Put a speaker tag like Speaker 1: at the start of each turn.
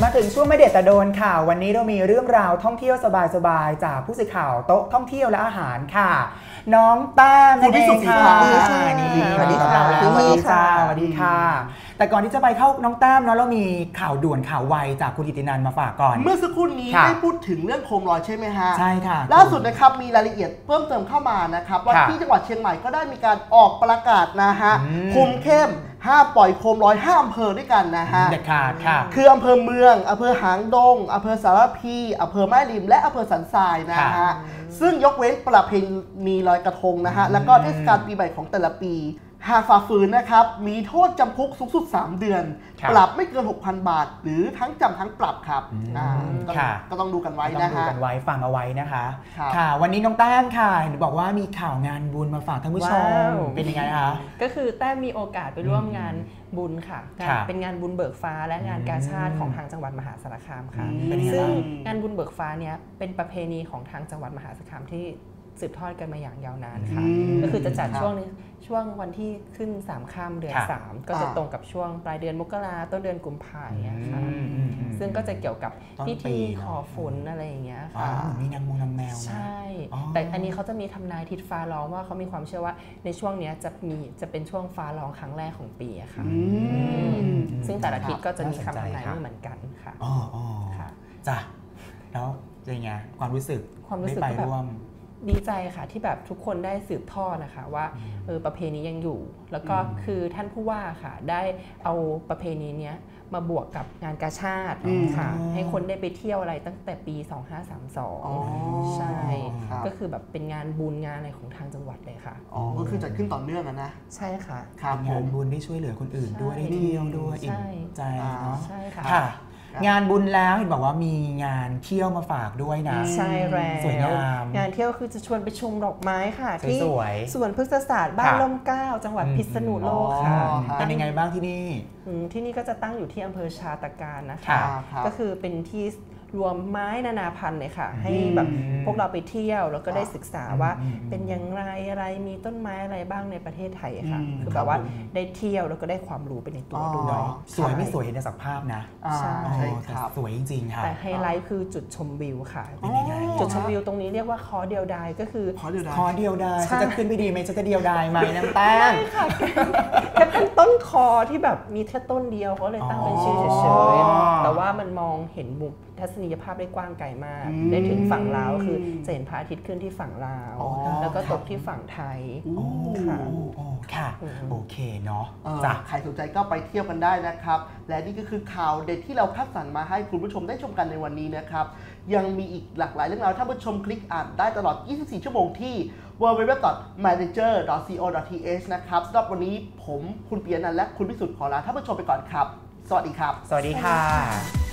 Speaker 1: มาถึงช่วงไม่เด็ดแต่โดนค่ะวันนี้เรามีเรื่องราวท่องเที่ยวสบายๆจากผู้สื่อข่าวโต๊ะท่องเที่ยวและอาหารค่ะน้องแต้ม
Speaker 2: คุณพิสุทธิ์ค่ะ
Speaker 1: สวัสดีค่ะสวัสดีค่ะสวัสดีค่ะแต่ก่อนที่จะไปเข้าน้องแต้มเนาะเรามีข่าวด่วนข่าวไวจากคุณกิตินันท์มาฝากก่อน
Speaker 2: เมื่อสักครู่นี้ได้พูดถึงเรื่องโคมลอยใช่ไหมฮะ
Speaker 1: ใช่ค่ะ
Speaker 2: ล่าสุดนะครับมีรายละเอียดเพิ่มเติมเข้ามานะครับว่าที่จังหวัดเชียงใหม่ก็ได้มีการออกประกาศนะฮะคุมเข้มห้ามปล่อยโคมลอย5อำเภอด้วยกันนะฮะ
Speaker 1: เด็ดขาดค่ะ
Speaker 2: คืออำเภอเมืองอำเภอหางดงอำเภอสารพีอำเภอแม่ริมและอำเภอสันทรายนะฮะซึ่งยกเว้นประเพณีลอยกระทงนะฮะแล้วก็เทศกาลปีใหม่ของแต่ละปีหากฝ่าฝืนนะครับมีโทษจำคุกสูงสุด3 เดือนปรับไม่เกิน 6,000 บาทหรือทั้งจำทั้งปรับครับก็ต้องดูกันไว้นะฮะ
Speaker 1: ต้องดูกันไว้ฟังเอาไว้นะคะค่ะวันนี้น้องแต้มค่ะเห็นบอกว่ามีข่าวงานบุญมาฝากท่านผู้ชมเป็นยังไงคะ
Speaker 3: ก็คือแต้มมีโอกาสไปร่วมงานบุญค่ะเป็นงานบุญเบิกฟ้าและงานกาชาดของทางจังหวัดมหาสารคามค่ะซึ่งงานบุญเบิกฟ้าเนี้ยเป็นประเพณีของทางจังหวัดมหาสารคามที่สืบทอดกันมาอย่างยาวนานค่ะก็คือจะจัดช่วงวันที่ขึ้น3 ค่ำเดือน3ก็จะตรงกับช่วงปลายเดือนมกราต้นเดือนกุมภาพันธ์ค่ะซึ่งก็จะเกี่ยวกับพิธีขอฝนอะไรอย่างเงี้ยค่ะ
Speaker 1: มีนางแมว
Speaker 3: ใช่แต่อันนี้เขาจะมีทำนายทิศฟ้าร้องว่าเขามีความเชื่อว่าในช่วงนี้จะเป็นช่วงฟ้าร้องครั้งแรกของปีอะค่ะซึ่งแต่ละทิศก็จะมีคำทำนายไม่เหมือนกันค่ะ
Speaker 1: ค่ะจ้ะแล้วยังไงความรู้สึกได้ไปร่วม
Speaker 3: ดีใจค่ะที่แบบทุกคนได้สืบทอดนะคะว่าประเพณียังอยู่แล้วก็คือท่านผู้ว่าค่ะได้เอาประเพณีเนี้ยมาบวกกับงานกาชาดค่ะให้คนได้ไปเที่ยวอะไรตั้งแต่ปี2532ใช่ก็คือแบบเป็นงานบุญงานอะไรของทางจังหวัดเลยค่ะ
Speaker 2: ก็คือจัดขึ้นต่อเนื่องนะ
Speaker 3: ใช่ค่ะ
Speaker 1: งานบุญได้ช่วยเหลือคนอื่นด้วยได้เที่ยวด้วยอิ่มใจเนาะ
Speaker 3: ใช่ค่ะ
Speaker 1: งานบุญแล้วเห็นบอกว่ามีงานเที่ยวมาฝากด้วยนะ
Speaker 3: ใช่แล้ว
Speaker 1: สวยงาม
Speaker 3: งานเที่ยวคือจะชวนไปชมดอกไม้ค่ะที่สวนพฤกษศาสตร์บ้านร่มเกล้าจังหวัดพิษณุโลกค่ะ
Speaker 1: เป็นยังไงบ้างที่นี่
Speaker 3: ที่นี่ก็จะตั้งอยู่ที่อำเภอชาตการนะคะก็คือเป็นที่รวมไม้นานาพันธุ์เลยค่ะให้แบบพวกเราไปเที่ยวแล้วก็ได้ศึกษาว่าเป็นอย่างไรอะไรมีต้นไม้อะไรบ้างในประเทศไทยค่ะคือแบบว่าได้เที่ยวแล้วก็ได้ความรู้ไปในตัวด้วย
Speaker 1: สวยไม่สวยเห็นในสักภาพนะ
Speaker 3: ใช่
Speaker 1: ครับสวยจริงๆค่ะ
Speaker 3: แต่ไฮไลท์คือจุดชมวิวค่ะจุดชมวิวตรงนี้เรียกว่าคอเดียวดายก็คือ
Speaker 1: คอเดียวดายจะขึ้นไปดีไหมจะเดียวดายไหมน้ำแต้ม
Speaker 3: ค่ะแค่เป็นต้นคอที่แบบมีแค่ต้นเดียวเขาเลยตั้งเป็นชื่อเฉยๆแต่ว่ามันมองเห็นมุมทัศนียภาพได้กว้างไกลมากได้ถึงฝั่งลาวคือจะเห็นพระอาทิตย์ขึ้นที่ฝั่งลาวแล้วก็ตกที่ฝั่งไทย
Speaker 1: ค่ะโอเคเนาะ
Speaker 2: ใครสนใจก็ไปเที่ยวกันได้นะครับและนี่ก็คือข่าวเด็ดที่เราคัดสรรมาให้คุณผู้ชมได้ชมกันในวันนี้นะครับยังมีอีกหลากหลายเรื่องราวท่านผู้ชมคลิกอ่านได้ตลอด24 ชั่วโมงที่ www.manager.co.th นะครับสำหรับวันนี้ผมคุณปียนันท์และคุณพิสุทธิ์ขอลาท่านผู้ชมไปก่อนครับสวัสดีครับ
Speaker 1: สวัสดีค่ะ